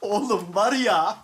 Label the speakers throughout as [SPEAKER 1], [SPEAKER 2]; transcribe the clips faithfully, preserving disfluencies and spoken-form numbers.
[SPEAKER 1] Oğlum var ya.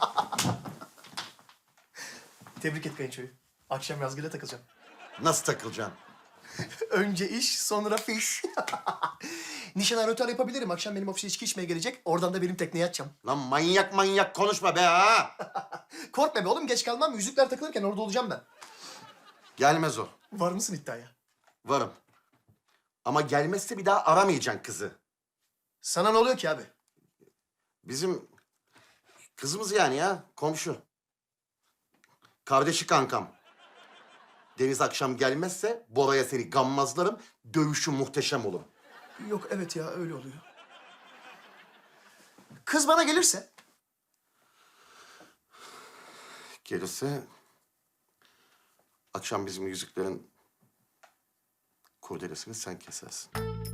[SPEAKER 1] Tebrik et kayınçoyu. Akşam Yazgül'e takılacağım.
[SPEAKER 2] Nasıl takılacaksın?
[SPEAKER 1] Önce iş, sonra fiş. Nişan aratör yapabilirim. Akşam benim ofise içki içmeye gelecek. Oradan da benim tekneye atacağım.
[SPEAKER 2] Lan manyak manyak konuşma be ha!
[SPEAKER 1] Korkma be oğlum, geç kalmam. Yüzükler takılırken orada olacağım ben.
[SPEAKER 2] Gelmez o.
[SPEAKER 1] Var mısın iddiaya?
[SPEAKER 2] Varım. Ama gelmezse bir daha aramayacaksın kızı.
[SPEAKER 1] Sana ne oluyor ki abi?
[SPEAKER 2] Bizim kızımız yani ya, komşu. Kardeşi kankam. Deniz akşam gelmezse Bora'ya seni gammazlarım, dövüşü muhteşem olur.
[SPEAKER 1] Yok evet ya, öyle oluyor. Kız bana gelirse?
[SPEAKER 2] Gelirse akşam bizim yüzüklerin kurdelesini sen kesersin.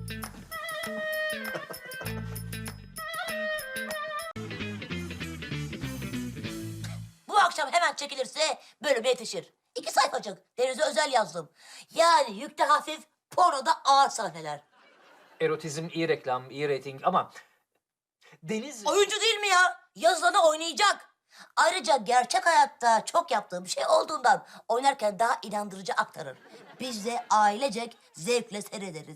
[SPEAKER 3] Bu akşam hemen çekilirse bölüme yetişir. İki sayfacık. Deniz'e özel yazdım. Yani yükte hafif, pornoda ağır sahneler.
[SPEAKER 4] Erotizm iyi reklam, iyi reyting ama Deniz...
[SPEAKER 3] Oyuncu değil mi ya? Yazılanı oynayacak. Ayrıca gerçek hayatta çok yaptığım şey olduğundan oynarken daha inandırıcı aktarır. Biz de ailecek zevkle seyrederiz.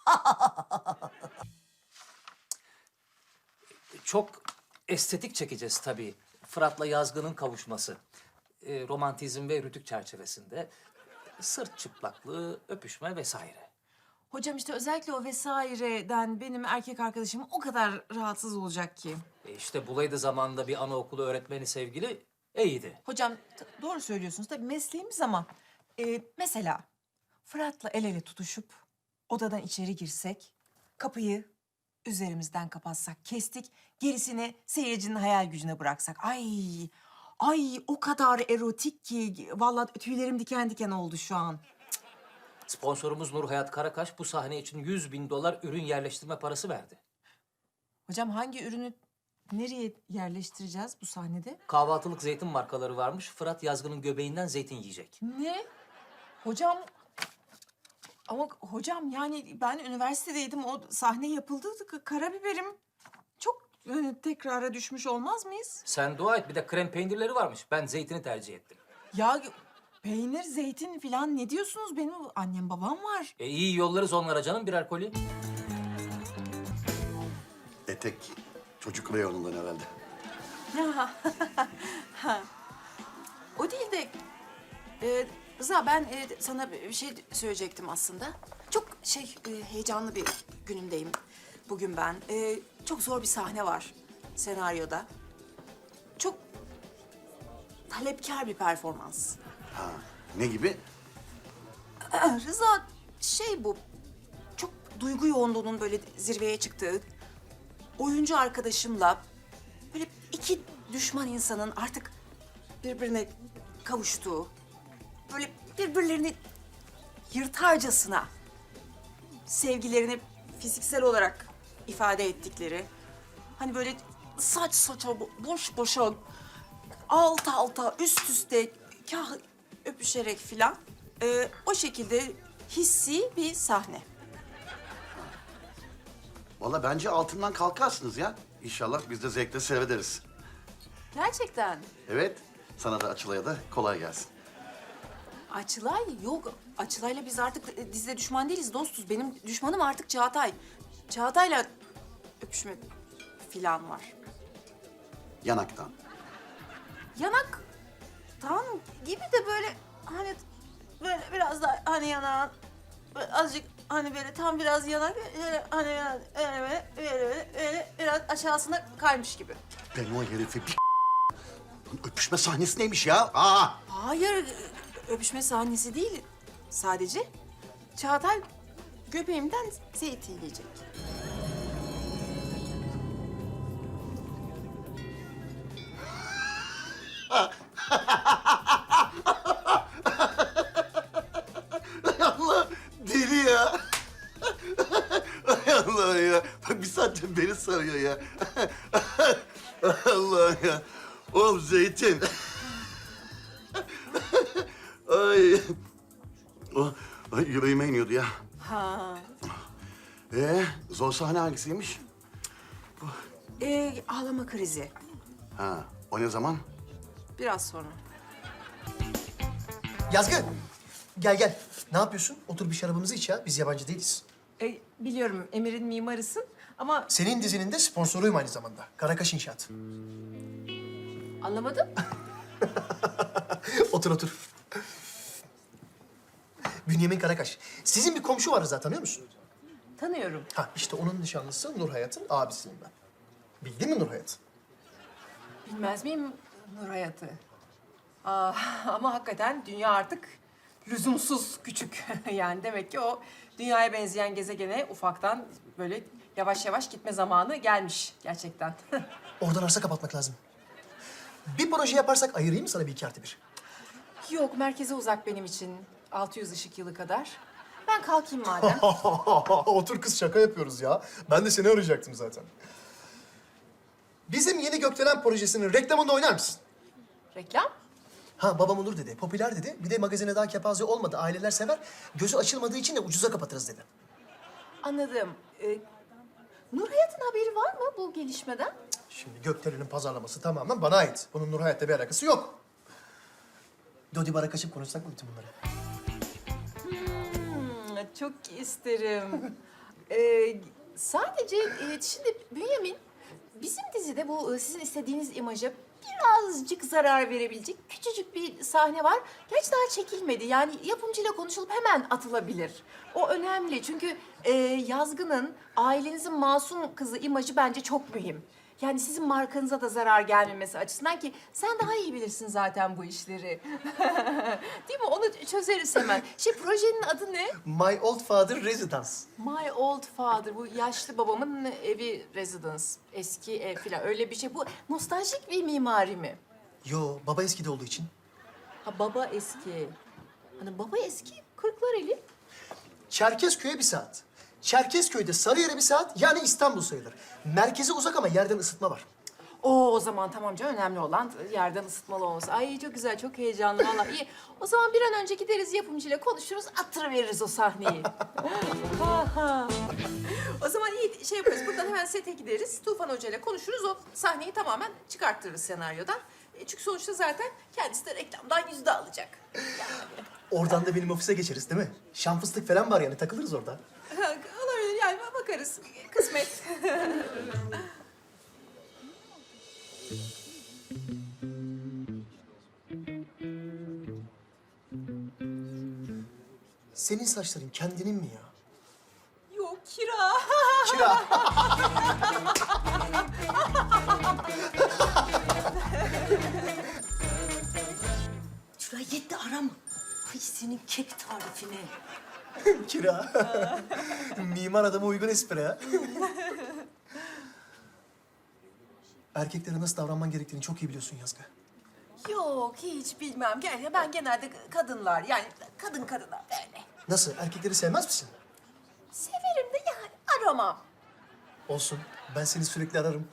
[SPEAKER 4] Çok estetik çekeceğiz tabii. Fırat'la Yazgı'nın kavuşması. Ee, romantizm ve rütük çerçevesinde. Sırt çıplaklığı, öpüşme vesaire.
[SPEAKER 5] Hocam işte özellikle o vesaireden benim erkek arkadaşım o kadar rahatsız olacak ki.
[SPEAKER 4] E işte bulaydı zamanında bir anaokulu öğretmeni sevgili iyiydi.
[SPEAKER 5] Hocam t- doğru söylüyorsunuz tabii mesleğimiz ama e, mesela Fırat'la el ele tutuşup odadan içeri girsek, kapıyı üzerimizden kapatsak, kestik, gerisini seyircinin hayal gücüne bıraksak. Ay, ay o kadar erotik ki vallahi tüylerim diken diken oldu şu an.
[SPEAKER 4] Sponsorumuz Nur Hayat Karakaş bu sahne için yüz bin dolar ürün yerleştirme parası verdi.
[SPEAKER 5] Hocam hangi ürünü nereye yerleştireceğiz bu sahnede?
[SPEAKER 4] Kahvaltılık zeytin markaları varmış. Fırat Yazgı'nın göbeğinden zeytin yiyecek.
[SPEAKER 5] Ne? Hocam ama hocam yani ben üniversitedeydim o sahne yapıldı k- karabiberim çok e, tekrara düşmüş olmaz mıyız?
[SPEAKER 4] Sen dua et bir de krem peynirleri varmış. Ben zeytini tercih ettim.
[SPEAKER 5] Ya peynir, zeytin falan ne diyorsunuz? Benim annem babam var.
[SPEAKER 4] E iyi yollarız onlara canım birer koli.
[SPEAKER 2] Etek çocuk reyonundan herhalde.
[SPEAKER 5] O değil de e, Rıza ben e, sana bir şey söyleyecektim aslında. Çok şey e, heyecanlı bir günümdeyim bugün ben. E, çok zor bir sahne var senaryoda. Çok talepkar bir performans.
[SPEAKER 2] Ha, ne gibi?
[SPEAKER 5] Rıza şey bu çok duygu yoğunluğunun böyle zirveye çıktığı, oyuncu arkadaşımla böyle iki düşman insanın artık birbirine kavuştuğu, böyle birbirlerini yırtarcasına sevgilerini fiziksel olarak ifade ettikleri, hani böyle saç saça boş boşa alt alta üst üste kah öpüşerek filan e, o şekilde hissi bir sahne.
[SPEAKER 2] Vallahi bence altından kalkarsınız ya. İnşallah biz de zevkle seyrederiz.
[SPEAKER 5] Gerçekten.
[SPEAKER 2] Evet, sana da Açılay'a da kolay gelsin.
[SPEAKER 5] Açılay yok. Açılay'la biz artık dizide düşman değiliz, dostuz. Benim düşmanım artık Çağatay. Çağatay'la öpüşme filan var.
[SPEAKER 2] Yanaktan.
[SPEAKER 5] Yanaktan gibi de böyle hani böyle biraz da hani yanağın böyle azıcık hani böyle tam biraz yanak böyle hani biraz öyle böyle böyle böyle, böyle biraz aşağısına kaymış gibi.
[SPEAKER 2] Ben o herifi bir Lan öpüşme sahnesi neymiş ya? Aa!
[SPEAKER 5] Hayır, öpüşme sahnesi değil. Sadece Çağatay göbeğimden zeytin yiyecek.
[SPEAKER 2] Ay Allah! Deli ya! Ay Allah ya! Bak bir saattir beni sarıyor ya. Allah ya! Oğlum zeytin! Ay! Oh, ay yüreğime iniyordu ya.
[SPEAKER 5] Ha.
[SPEAKER 2] Ee, zor sahne hangisiymiş?
[SPEAKER 5] Ee, ağlama krizi.
[SPEAKER 2] Ha, o ne zaman?
[SPEAKER 5] Biraz sonra.
[SPEAKER 1] Yazgı, gel gel. Ne yapıyorsun? Otur bir şarabımızı iç ya. Biz yabancı değiliz.
[SPEAKER 5] E, biliyorum Emir'in mimarısın ama
[SPEAKER 1] Senin dizinin de sponsoruyum aynı zamanda. Karakaş İnşaat.
[SPEAKER 5] anlamadım.
[SPEAKER 1] Otur otur. Bünyamin Karakaş. Sizin bir komşu var Rıza, tanıyor musun?
[SPEAKER 5] Tanıyorum.
[SPEAKER 1] Ha işte onun nişanlısı Nur Hayat'ın abisiyim ben. Bildin mi Nur Hayat?
[SPEAKER 5] Bilmez miyim Nur Hayat'ı? Aa, ama hakikaten dünya artık lüzumsuz küçük. Yani demek ki o dünyaya benzeyen gezegene ufaktan böyle yavaş yavaş gitme zamanı gelmiş gerçekten.
[SPEAKER 1] Oradan arsa kapatmak lazım. Bir proje yaparsak ayırayım mı sana bir iki artı bir?
[SPEAKER 5] Yok, merkeze uzak benim için. altı yüz ışık yılı kadar. Ben kalkayım madem.
[SPEAKER 1] Otur kız, şaka yapıyoruz ya. Ben de seni arayacaktım zaten. Bizim yeni Gökdelen projesinin reklamında oynar mısın?
[SPEAKER 5] Reklam?
[SPEAKER 1] Ha babam olur dedi, popüler dedi. Bir de magazine daha kepaze olmadı, aileler sever. Gözü açılmadığı için de ucuza kapatırız dedi.
[SPEAKER 5] Anladım. Ee, Nur Hayat'ın haberi var mı bu gelişmeden?
[SPEAKER 1] Şimdi Gökdelen'in pazarlaması tamamen bana ait. Bunun Nur Hayat'la bir alakası yok. Dodi bara kaçıp konuşsak mı bütün bunları?
[SPEAKER 5] Hmm, çok isterim. Ee, sadece e, şimdi Bünyamin, bizim dizide bu e, sizin istediğiniz imaja birazcık zarar verebilecek küçücük bir sahne var. Gerçi daha çekilmedi. Yani yapımcıyla konuşulup hemen atılabilir. O önemli çünkü e, Yazgı'nın ailenizin masum kızı imajı bence çok mühim. Yani sizin markanıza da zarar gelmemesi açısından ki sen daha iyi bilirsin zaten bu işleri. Değil mi? Onu çözeriz hemen. Şey projenin adı ne?
[SPEAKER 1] My Old Father Residence.
[SPEAKER 5] My Old Father. Bu yaşlı babamın evi residence. Eski ev falan öyle bir şey. Bu nostaljik bir mimari mi?
[SPEAKER 1] Yo, baba eskide olduğu için.
[SPEAKER 5] Ha baba eski. Hani baba eski Kırklareli.
[SPEAKER 1] Çerkezköy'e bir saat. Çerkezköy'de Sarıyer'e bir saat, yani İstanbul sayılır. Merkeze uzak ama yerden ısıtma var.
[SPEAKER 5] Oo, o zaman tamam canım, önemli olan yerden ısıtmalı olması. Ay çok güzel, çok heyecanlı vallahi. İyi. O zaman bir an önce gideriz yapımcıyla konuşuruz, attırıveririz o sahneyi. Aha. O zaman iyi şey yaparız, buradan hemen sete gideriz. Tufan Hoca ile konuşuruz, o sahneyi tamamen çıkarttırırız senaryodan. E, çünkü sonuçta zaten kendisi de reklamdan yüzde alacak. Yani.
[SPEAKER 1] Oradan da benim ofise geçeriz değil mi? Şan fıstık falan var yani, takılırız orada.
[SPEAKER 5] Olabilir yani, bakarız. Kısmet.
[SPEAKER 1] Senin saçların kendinin mi ya?
[SPEAKER 5] Yok, kira.
[SPEAKER 1] Kira.
[SPEAKER 3] Şuraya yetti arama. Ay senin kek tarifine.
[SPEAKER 1] Kira. Mimar adama uygun espri ha. Erkeklere nasıl davranman gerektiğini çok iyi biliyorsun Yazgı.
[SPEAKER 5] Yok, hiç bilmem. Gel, ben genelde kadınlar, yani kadın kadına böyle.
[SPEAKER 1] Nasıl? Erkekleri sevmez misin?
[SPEAKER 5] Severim de yani aramam.
[SPEAKER 1] Olsun. Ben seni sürekli ararım.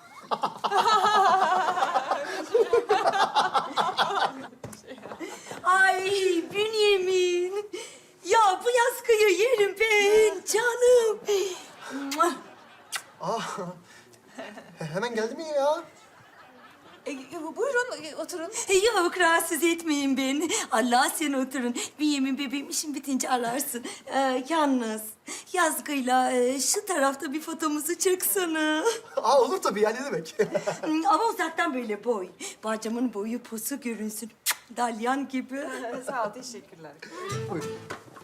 [SPEAKER 3] Ay Bünyamin. Ya bu yaskıyı yerim ben canım. Mua.
[SPEAKER 1] Ah. Hemen geldi mi ya?
[SPEAKER 5] E, e, buyurun, e, oturun.
[SPEAKER 3] Yok rahatsız etmeyin beni. Allah sen oturun. Bünyamin bebeğim işin bitince ararsın. Ee, yalnız Yazgı'yla e, şu tarafta bir fotomuzu çeksene.
[SPEAKER 1] Aa olur tabii ya, ne demek?
[SPEAKER 3] Ama uzaktan böyle boy. Bacamın boyu posu görünsün. Dalyan gibi.
[SPEAKER 5] Sağ ol, teşekkürler.
[SPEAKER 1] Buyurun.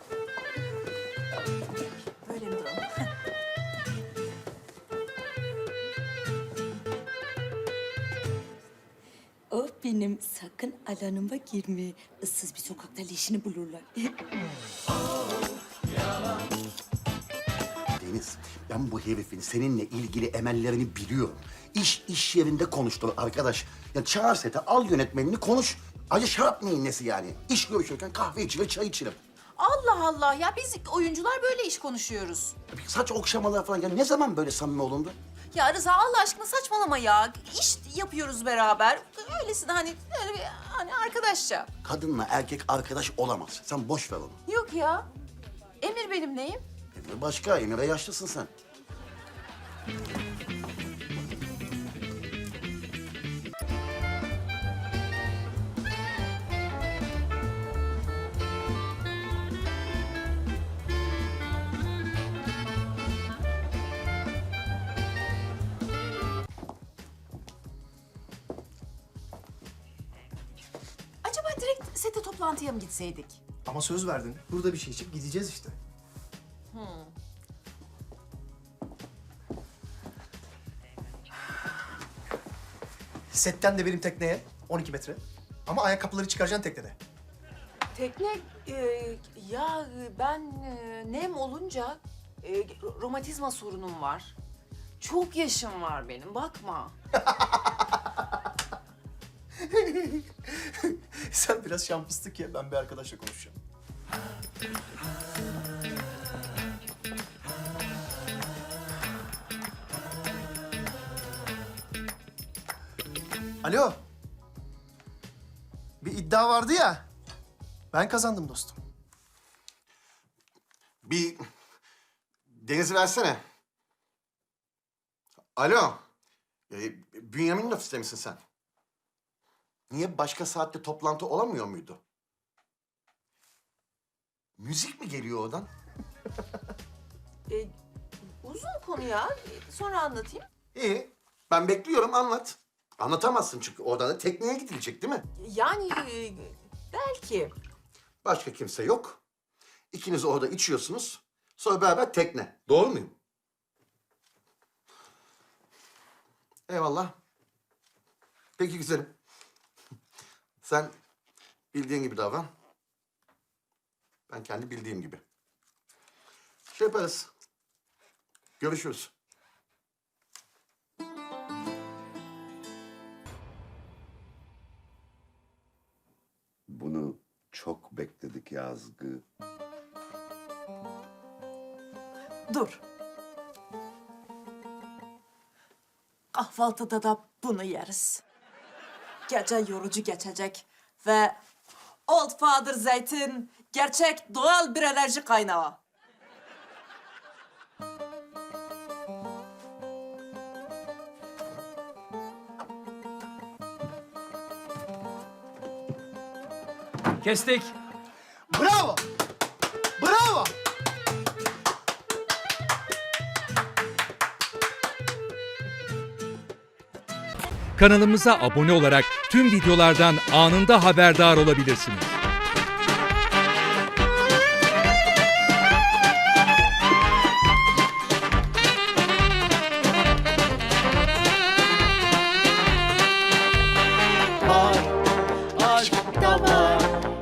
[SPEAKER 5] Böyle mi duralım?
[SPEAKER 3] O benim, sakın alanıma girme. Issız bir sokakta leşini bulurlar.
[SPEAKER 2] Deniz, ben bu herifin seninle ilgili emellerini biliyorum. İş iş yerinde konuştur arkadaş. Ya çağır sete, al yönetmenini konuş. Acı şarap neyin nesi yani? İş görüşürken kahve içilir, çay içilir.
[SPEAKER 5] Allah Allah ya, biz oyuncular böyle iş konuşuyoruz.
[SPEAKER 2] Saç okşamalar falan. Ya ne zaman böyle samimi olundu?
[SPEAKER 5] Ya Rıza Allah aşkına saçmalama ya. İş yapıyoruz beraber. Öylesine hani, öyle bir, hani arkadaşça.
[SPEAKER 2] Kadınla erkek arkadaş olamaz. Sen boş ver onu.
[SPEAKER 5] Yok ya. Emir benim neyim?
[SPEAKER 2] Emre başka, Emre yaşlısın sen.
[SPEAKER 5] toplantıya mı gitseydik?
[SPEAKER 1] Ama söz verdin. Burada bir şey içip gideceğiz işte. Setten de benim tekneye on iki metre. Ama ayakkabıları çıkaracaksın teknede.
[SPEAKER 5] Tekne, e, ya ben e, nem olunca e, romatizma sorunum var. Çok yaşım var benim, bakma.
[SPEAKER 1] Sen biraz şan fıstık ye, ben bir arkadaşla konuşacağım. Alo. Bir iddia vardı ya. Ben kazandım dostum.
[SPEAKER 2] Bir Deniz'i versene. Alo. Ee, Bünyamin'in ofiste misin sen? Niye başka saatte toplantı olamıyor muydu? Müzik mi geliyor oradan?
[SPEAKER 5] E, uzun konu ya, sonra anlatayım.
[SPEAKER 2] İyi. Ben bekliyorum, anlat. Anlatamazsın çünkü oradan da tekneye gidilecek değil mi?
[SPEAKER 5] Yani e, belki.
[SPEAKER 2] Başka kimse yok. İkiniz orada içiyorsunuz. Sonra beraber tekne. Doğru muyum? Eyvallah. Peki güzelim. Sen bildiğin gibi davran. Ben kendi bildiğim gibi. Şey yaparız. Görüşürüz.
[SPEAKER 6] Bunu çok bekledik Yazgı.
[SPEAKER 5] Dur. Kahvaltıda da bunu yeriz. Gece yorucu geçecek ve Old Father Zeytin gerçek doğal bir enerji kaynağı.
[SPEAKER 4] Kestik.
[SPEAKER 1] Bravo! Bravo!
[SPEAKER 7] Kanalımıza abone olarak tüm videolardan anında haberdar olabilirsiniz.